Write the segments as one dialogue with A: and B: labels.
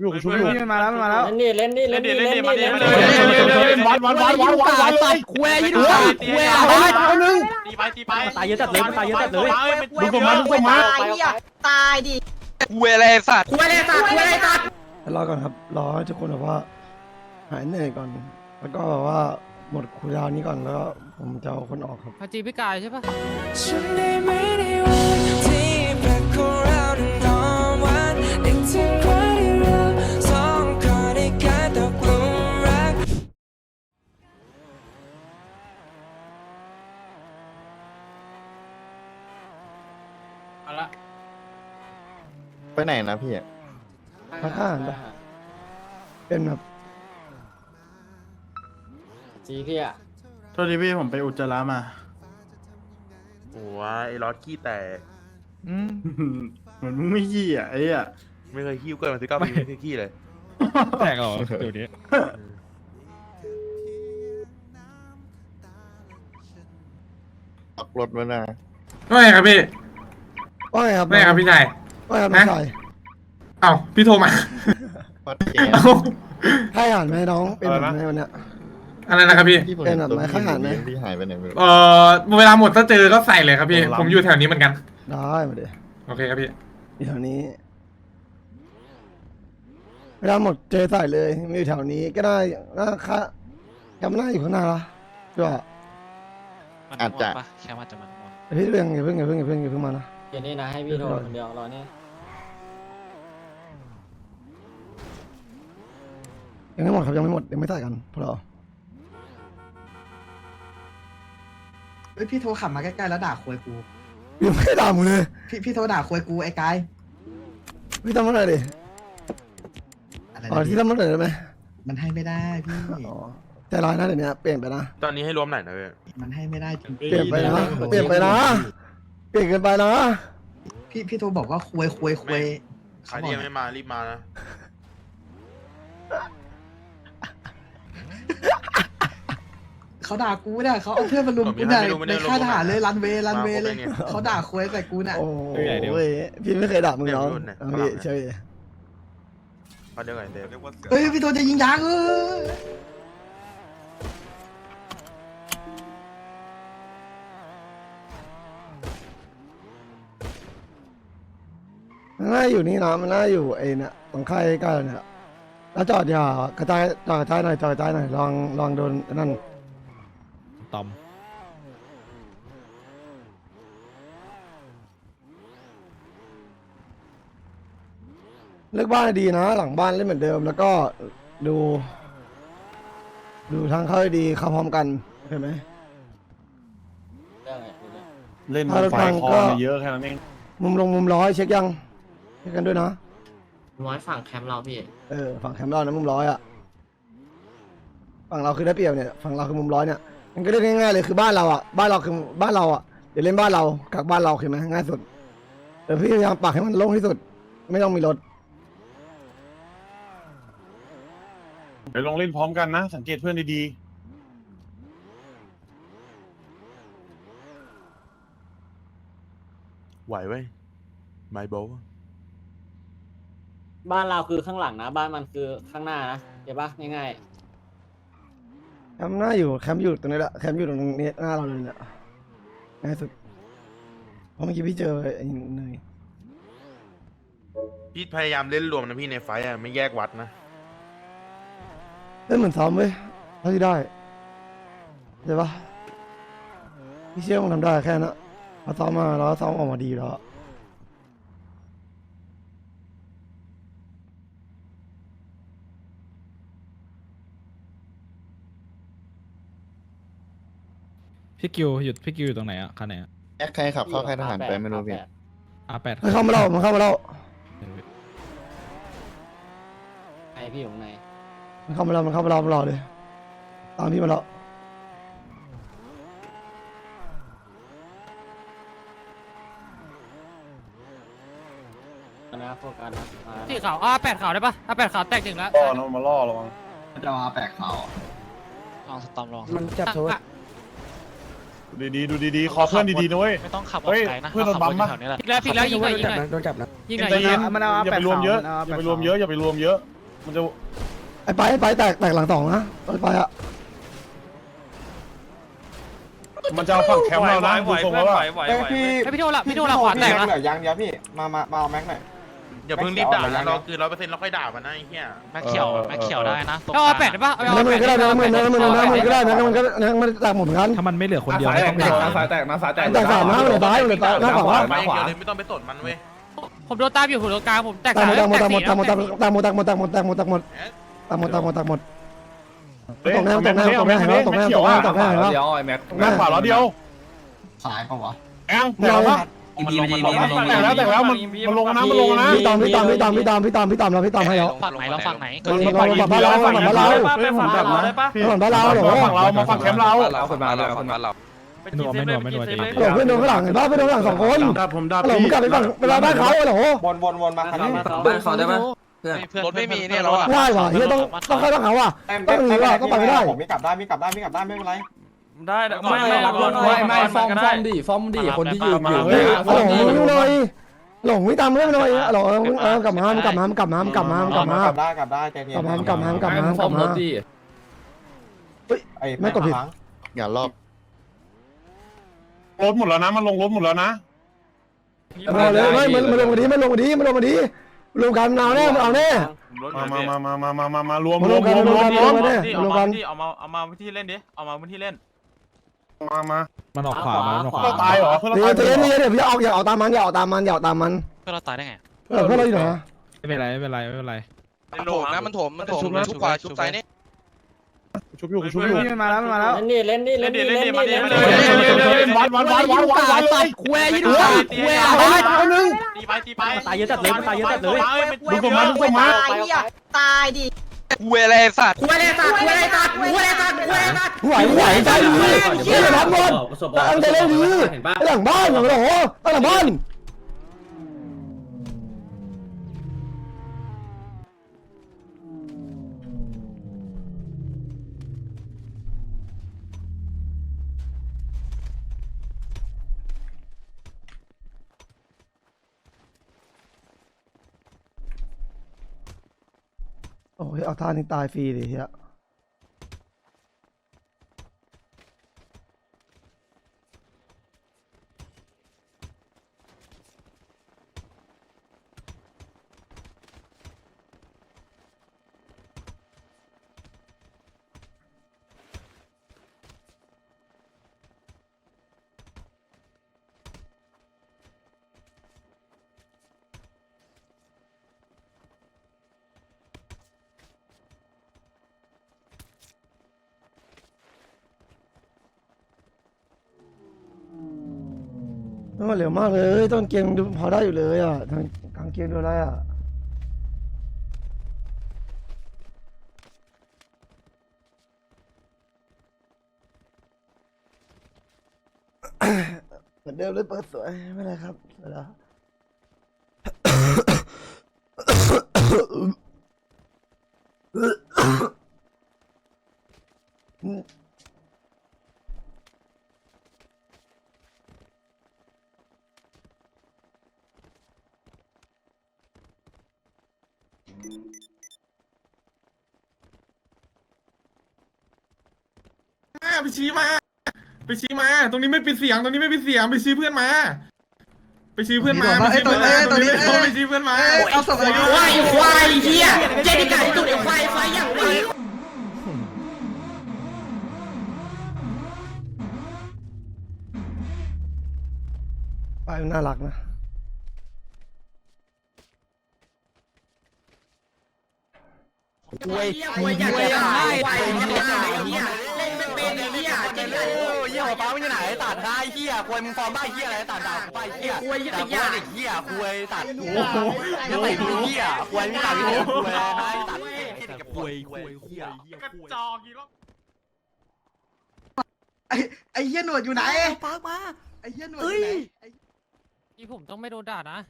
A: อยู่กูชุบอยู่
B: มันมาแล้วมันมาแล้ว
C: เล่นนี่
D: ตายตัดคุยยี่ดูตายคุยอะไรคนนึง
E: ตีไป
D: ตายเยอะจัดเลยมันตายเยอะจัดเลย
A: ดูผมมา
F: ตายดิ
G: คุยอะไรสัตว์
F: คุยอะไรสัตว์คุยอะไรสัตว์
B: รอก่อนครับรอให้ทุกคนแบบว่าหายเหนื่อยก่อนแล้วก็แบบว่าหมดคูลดาวน์นี้ก่อนแล้วผมจะเอาคนออกครับ
H: พาจีพี่กายใช่ปะ
I: ฉันได้ไม่ได้วันที่แปลกของเรานอนวันนึกถึงวันที่เราสองคนได้กลายตกหลุมรัก
E: เอาละ
A: ไปไหนนะพี่
B: พักอาหารปะเป็นแบบ
C: จีพี่อะ
A: โทษทีพี่ผมไปอุจจาระมา
G: โอ้ยไอ้รอดขี้แตก
A: เหมือนมึงไม่ขี้อ่ะไอ้อ่ะ
G: ไม่เคยขี้เกินมา19 ปีไม่เคยขี้เลย
A: แตกเหรอเดี๋ยวนี้ออกรถมานะ
J: ไม่ครับพี่
B: ว่าไงครับ
J: ไม่ครับพี่ชาย
B: ว่าไงครับน้องชาย
J: เอ้าพี่โทรมา
A: วัดแก
J: เอ้า
B: ให้อาหารไหมน้องเป็นแบบไหนวันเนี้ย
J: อะไรนะครับพี่
B: เป็นแบบไหนข้างหลังไหม
A: พี่หายไปไหนไม่รู้
J: เวลาหมดถ้าเจอก็ใส่เลยครับพี่ ผมอยู่แถวนี้เหมือนกัน
B: ได้มาเดี๋ยว
J: โอเคครับพี่
B: อยู่แถวนี้เวลาหมดเจอใส่เลยไม่อยู่แถวนี้ก็ได้น่าค่ะจำหน้าอยู่ข้างหน้าละก็
A: อาจจะ
E: แค่ว่าจะมัน
B: พี่เรื่องอย่าเพิ่งมานะ
C: เดี๋ยวนี้นะให้พี่โทรคนเดียวรอนี่
B: ยังไม่หมดครับยังไม่หมดยังไม่ใส่กันพวกเรา
D: เฮ้ยพี่โทรขับมาใกล้ๆแล้วด่าคุยกู
B: ยังไม่ได้ด่ามึงเลย
D: พี่โทรด่าคุยกูไอ้กาย
B: พี่ทำอะไรดิ
D: อะไร
B: อ๋อที่ทำอะไรได้ไหม
D: มันให้ไม่ได้พี่
B: อ๋อใจร้ายนะเดี๋ยวนี้เปลี่ยนไปนะ
G: ตอนนี้ให้รวมไหนนะเว้ย
D: มันให้ไม่ได้จริง
B: เปลี่ยนไปนะเปลี่ยนไปนะเปลี่ยนเกินไปนะ
D: พี่โทรบอกว่าคุย
G: ใครที่ยังไม่มารีบมานะ
D: เขาด่ากูเนี่ยเขาเอาเพื่อนมาลุมกูเนี่ยในค่ายทหารเลยรันเวย์เลยเขาด่าคุยใส่กูเนี่ย
B: โอ้ยพี่ไม่เคยด่ามึงน้องพี่เฉย
G: เอาเดี๋ยวก่อนเดี๋ยว
D: เฮ้ยพี่โทรจะยิงยาง
B: มันน่าอยู่นี่นะมันน่าอยู่ไอ้เนี่ยตรงค่ายใกล้ๆเนี่ยแล้วจอดอย่ากระจายจอดกระจายหน่อยจอดกระจายหน่อยลองโดนนั่น
H: ตอม
B: เลือกบ้านให้ดีนะ หลังบ้านเล่นเหมือนเดิม แล้วก็ดูทางเข้าให้ดีเข้าพร้อมกันเห็นไหม
C: เรื่องอะไรดูดิ
A: เล่น
B: ถ้ารถ
A: ไฟ
B: พัง
A: คอ
B: ก็
A: มาเยอะแค่นั้นเอง
B: มุมร้อยเช็คยังเช็คกันด้วยนะ
C: ร้อยฝั่งแคมป์เราพี่
B: ฝั่งแคมป์เรานะมุมร้อยอ่ะฝั่งเราคือได้เปรียบเนี่ยฝั่งเราคือมุมร้อยเนี่ยมันก็เล่นง่ายๆเลยคือบ้านเราอ่ะบ้านเราคือบ้านเราอ่ะเดี๋ยวเล่นบ้านเรากักบ้านเราเห็นไหมง่ายสุดแต่พี่พยายามปักให้มันโล่งที่สุด ไม่ต้องมีรถ
A: เดี๋ยวลองเล่นพร้อมกันนะ สังเกตเพื่อนดี
G: ไหวเว้ยไมโบ
C: บ้านเราคือข้างหลังนะบ้านมันคือข้างหน้านะเดี๋ยวปะง่าย
B: แคมป์หน้าอยู่แคมป์อยู่ตรงนี้แหละแคมป์อยู่ตรงนี้หน้าเราเลยเนี่ยง่ายสุดเพราะเมื่อกี้พี่เจอไอ้เนย
G: พี่พยายามเล่นรวมนะพี่ในไฟต์อะไม่แยกวัดนะ
B: เล่นเหมือนซ้อมเว้ยเท่าที่ได้ใช่ปะพี่เชื่อมึงทำได้แค่นั้นพอซ้อมมาแล้วซ้อมออกมาดีแล้ว
H: พี่กิวหยุดพี่กิวอยู่ตรงไหนอ่ะคันไหนอ่ะ
A: ๆแอคใครขับเข้าค่ายทหารไปไม่รู้พี่
H: R8
B: มันเข้ามาเล่ามันเข้ามาเล่า
C: ไอพี่อยู่ข้างใน
B: มันเข้ามาเล่ามันเข้ามาเล่ามารอเลยตามพี่มาแล้ว
C: นะโฟกัสนะมา
H: ที่ขาว8ขาวได้ปะ8ขาวแตกจริงแล้ว
A: ล่อนะมาล่อระวัง
D: จะมาแปลกเขา
E: ลองสตอมลอง
B: มันจับโทษ
A: ดูดีๆขอเพื่อนดีๆนะเว้ย
E: ไม่ต้องขับออ
A: เฮ้
E: ก
A: ย
E: ไกลนะ
A: เพื่อนโดนบัมปะ
E: แถวนี้แหละ
H: พลิกแล้วยิงหน่อยยิงหน่อย
B: โดนจับนะ
H: ยิงหน่อย
A: ใจเย็น
B: มันเอา
A: อย่าไปรวมเยอะอย่าไปรวมเยอะมันจะ
B: ไอ้ไปแตกหลังสองนะไปอ่ะ
A: มันจะเอาฝั่งแคมป์เรานะดูทรงแล้วว่า
H: พี่โทรละขวาแตกนะ
G: อย่าเพิ่งรีบด่านะเราคือ100%เราค่อยด่ามันนะไอ้เหี้ย
E: แม็กเขียวได้นะตรง
H: เอา
E: กลาง
H: แปดได้ปะ
B: น้ำมันก็ได้น้ำมันก็ได้น้ำมันแตกหมดเหมือนกัน
H: ถ้ามันไม่เหลือคนเดียว
A: สายแตกสายแตกนะสายแตก
B: แตกสามนะเลยซ้ายเลยซ้ายหน้าขวา
G: ไปอย่างเดียวเลยไม่ต้องไปสนมันเว้ย
H: ผมโดนตามอยู่ผมโดนกลางผมแตก
B: แตกหมด
H: แตก
B: หมด
H: สี่
B: ตกหมดตกแล้
A: เดียวไอ้แม็กแม็กขวาล้อเดียว
D: สายปะวะ
A: แองแตกแล้วแตกแล้วมันลงนะมันลงนะ
B: พี่ตอมเราพี่ตอมให้แล้ว
E: ฝั่งไหนเราฝั่งไหน
B: ฝั่งบ้านเราฝั่งบ้านเรา
A: ฝั่งเราได้ปะ
B: ฝั่งบ้านเราหรอ
A: ฝั่งเรามาฝั่งแคมป์เรา
H: ไม่หนัวไม่หนัวใจเย็น
B: หลงเพื่อนโดนข้างหลังเห็นป่ะเพื่อนโดนข้างหลังสองคน
A: ผมดับ
B: หลงกลับไปฝั่งเวลาบ้านเขาเหรอ
C: บ้านเขาได้ปะ
E: รถไม่มีเนี่ยเราอะ
B: ได้ว่ะเฮียต้องเข้าต้องเขาว่ะต้องหนีว่ะต้องไปไม่ได้
D: ไม่กลับได้ไม่เป็นไร
E: ได้
H: ไม่ฟอร์มดิคนที่อยู่
B: หลงเลยหลงไม่ตามเรื่องเลยหลงกลับมากลับได้ใจเย็นกลับมาไม่กดผิด
G: อย่ารอบ
A: รถหมดแล้วนะมันลงรถหมดแล้วนะ
B: มาเลยมันลงมาดีรวมกันเอาแน่
A: มารวม
B: เอามาพื้นที่เล่นมา
H: มันออกขวามันออกขวา
A: เราตายเหรอเพื่อนเรา
B: เดี๋
A: ตาย
B: ยวอย่าเอาตามมัน
E: เพื่อเราตายได้ไง
B: เพื่อนเราอยู่ไหน
H: ไม่เป็นไร
E: มันโถมนะมันโถมชุบขวาชุบซ้ายนี่
A: ชุบอยู่
C: มาแล้วเล่นนี่
A: วันเลย
C: คุยยี่ดูคุยตีไปตายเยอะจัดเลย
A: ดูผมมา
F: ตายดิ
E: คุยอะไรสัตว์
B: ไหวใจดีเฮียรับหมดตั้งใจเล่นดีหลังบ้านเหรอตั้งหลังบ้านโอ้ยเอาท่านี้ตายฟรีดิเฮียมันเร็วมากเลยต้นเกมดูพอได้อยู่เลยอ่ะทางเกมดูอะไรอ่ะเหมือนเดิมเลยเปิดสวยไม่เป็นไรครับเวลา
J: ไปชี้มา ตรงนี้ไม่ปิดเสียงไปชี้เพื่อนมาไปชี้เพื่อนมาเอาศพอะไร
F: ควายเฮียเจนิกาตุ่นควายไฟอย่างไร
B: ไปน่ารักนะ
F: ควายอย่างไรควายอย่างไรเฮียเล่นเป็นเฮียเจนิกา
C: เฮียหัวป้ามันอยู่ไหนตัดได้เฮียคุยมึงฟอร์มบ้าเฮียอะไรตัดดาวไปเฮียคุยแต่ว่าเด็กเฮียคุยตัดหัวยังไงดูเฮียคุยไม่ตัดคุยให้ตัดกับคุยเฮีย
J: กระจอกกี่รอบ
D: ไอ้เหี้ยหนวดอยู่ไหน
F: ปากมา
D: ไอ้เหี้ยหนวดอยู่ไหน
H: ที่ผมต้องไม่โดนด่านะ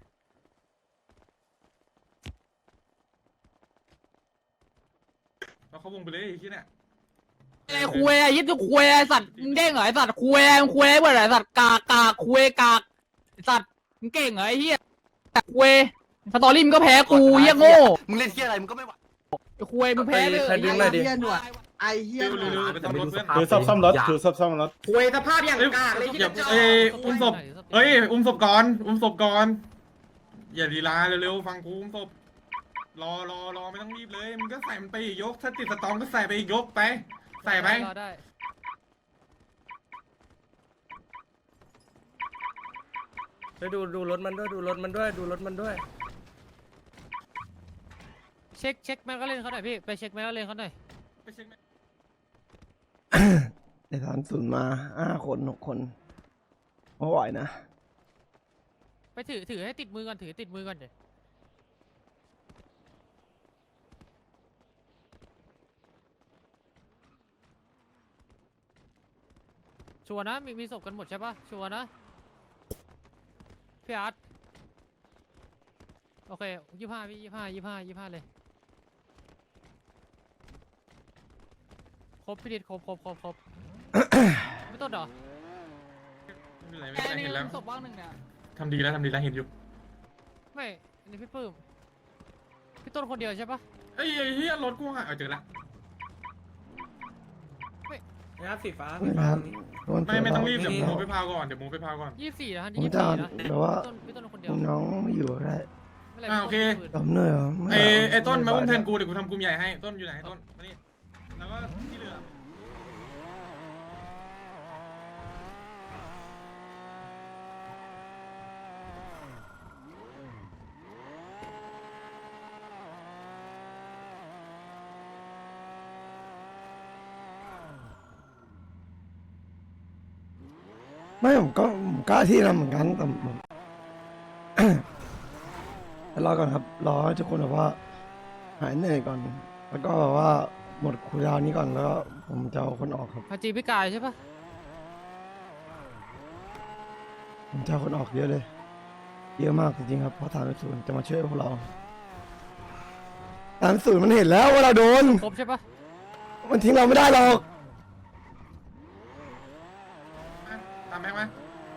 J: เราเข้าวงไปเลยไอ้ที่เนี่ย
H: ไอ้คุยยึดทุกคุยสัตว์มึงเด้งเหรอไอ้สัตว์คุยเมื่อไหร่สัตว์กากคุยสัตว์มึงเก่งเหรอไอ้เหี้ยคุยสตอรี่มึงก็แพ้กูเหี้ยโง่
C: มึงเล่นเฮียอะไรมึงก็ไม่ไหว
H: คุยมึงแพ้เลย
A: ใครดึงหน่อยดิ
D: ไอ้เหี้ยหนวดไอ้เหี้ยหนวด
J: เร็วๆไปซ่อมรถเพื่อน
A: ถือซ่อมรถถือซ่อมรถ
F: คุยสภาพอย่างกากเลยที่
J: อย่า
F: จะ
J: อุ้มศพเอ้ยอุ้มศพก่อนอุ้มศพก่อนอย่าลีลาเร็วๆฟังกูอุ้มศพรอไม่ต้องรีบเลยมึงก็ใส่มันไปอีกยกถ้าติดสตอมก็ใส่ไปอีกยกไปใส่ไป
H: ได้
A: ไปดูรถมันด้วยดูรถมันด้วย
H: เช็คแมกกาเลนเขาหน่อยพี่ไปเช็คแมกกาเลนเขาหน่อย
J: ไปเช็คไหม
B: ไอ้30มา5 คน6 คนไม่ไหวนะ
H: ไปถือให้ติดมือก่อนถือติดมือก่อนเดี๋ยวชัวร์นะมีศพกันหมดใช่ปะชัวร์นะพี่อาร์ตโอเค25พี่25เลยครบพี่ดิดครบ ไม่ต้นเหรอ
J: ไม่เป็นไรเห็นแล้ว
H: ศพว่างหนึ่งเนี่ย
J: ทำดีแล้วเห็นอยู่
H: ไม่อันนี้พี่ปื้มพี่ต้นคนเดียวใช่ปะ
J: ไอ้เหี้ยรถกูหายเจอละ
A: นะครับสีฟ้า
B: นะครับ
J: ไม่ต้องรีบเดี๋ยวมูไปพาวก่อน
H: 24นะฮะ
B: ผม
H: 24
B: จะ
H: นะ
B: แบบว่า
H: พี่ต้นคนเดียว
B: น้องไม่อยู่ก็ได้
H: ไม่เป็นไร
J: โอเค
B: ตบเหนื่อยเหรอไม่
J: ไอ้ต้นมาอุ้มแทนกูเดี๋ยวกูทำกลุ่มใหญ่ให้ต้นอยู่ไหนต้นมานี่แล้วก็ที่เหลือ
B: ไม่ผมกล้าที่นะเหมือนกันแต่ผม รอก่อนครับรอให้ทุกคนแบบว่าหายเหนื่อยก่อน แล้วก็แบบว่าหมดคูลดาวน์นี้ก่อนแล้วก็ผมจะเอาคนออกครับ
H: พาจีพี่กายใช่ปะ
B: ผมจะเอาคนออกเยอะเลย เยอะมากจริงๆครับเพราะ30จะมาช่วยพวกเรา30มันเห็นแล้วว่าเราโดน
H: ครบใช่ปะ
B: มันทิ้งเราไม่ได้หรอก
J: ตามแม็กมา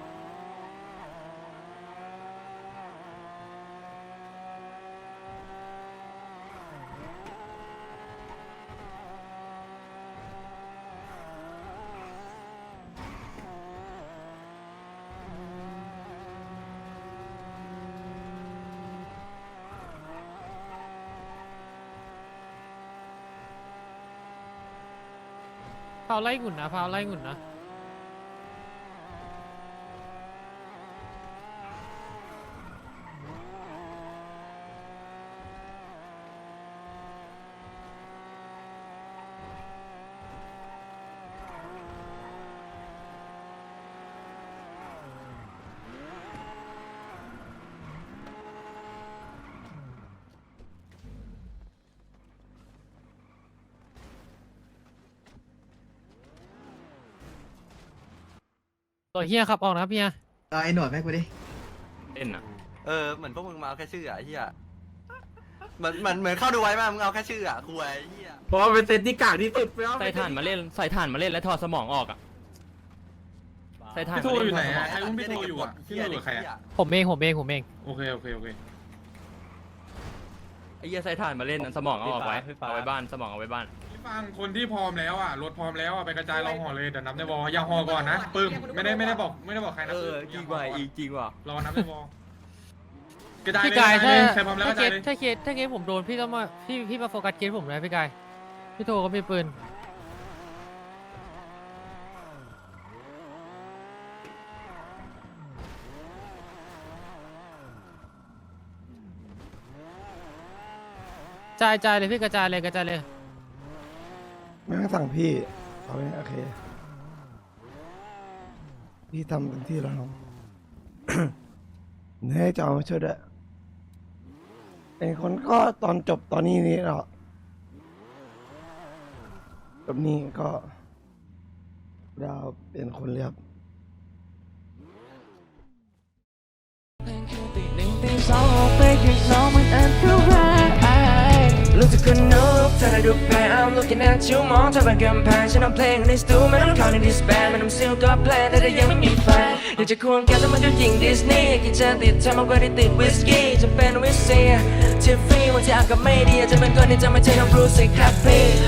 H: พาวไล่หุ่นนะพาวไล่หุ่นนะตัวเฮียครับออกนะพี่เฮีย
D: เอาไอ้หนวดแม่กูดิ
E: เล่นอ่ะ
C: เหมือนพวกมึงมาเอาแค่ชื่ออะไอ้เหี้ยเหมือนเข้าดูไว้มามึงเอาแค่ชื่ออะคุยไอ้เหี้ย
A: เพราะว่าเป็นเซตที่กากที่สุดไปเอา
E: ใส่ถ่านมาเล่นแล้วถอดสมองออกอ่ะใส่ถ่าน
J: พี่โทอยู่ไหนอะใครอุ้มพี่โทอยู่อะพี่โทอยู่กับใครอะ
H: ผมเอง
J: โอเค
E: ไอ้เหี้ยใส่ถ่านมาเล่นสมองเอาออกไว้เอาไว้บ้านสมองเอาไว้บ้าน
J: พี่ฟังคนที่พร้อมแล้วอะรถพร้อมแล้วอะไปกระจายเราห่อเลยเดี๋ยวนับในวออย่าห่อก่อนนะปึ้มไม่ได้บอกใครนะจริงว่ะรอนับในวอกระจาย
H: พี่
J: เลย
H: กาย
J: ใครพร้อมแล้วกระจายเลย
H: ถ้าเคสผมโดนพี่ต้องมาพี่มาโฟกัสเคสผมนะพี่กายพี่โทก็มีปืนจ่ายเลยพี่กระจายเลย
B: ไม่ต้องสั่งพี่เอาไว้โอเค พี่ทำเต็มที่แล้วน้อง เนี่ยจะเอามาช่วยด้วยเป็นคนก็ตอนจบตอนนี้นี่เราแบบนี้ก็ดาวเป็นคนเรียบ
I: รู้สึกคนนกเธอได้ดูแพ้ I'm looking at you มองเธอเป็นกำแพงฉันเอาเพลงในสตูไม่ต้องเข้าในดิสแบนมันทำซิลก็แพลนแต่ยังไม่มีแฟนอยากจะควงแกแต่มันก็ยิงดิสนีย์กินจะติดเธอมากกว่าที่ติดวิสกี้จะเป็นวิสเซียทิฟฟี่วันที่อากาศไม่ดีอาจจะเป็นคนที่จะไม่ใช่น้องบรูซสิครับพี่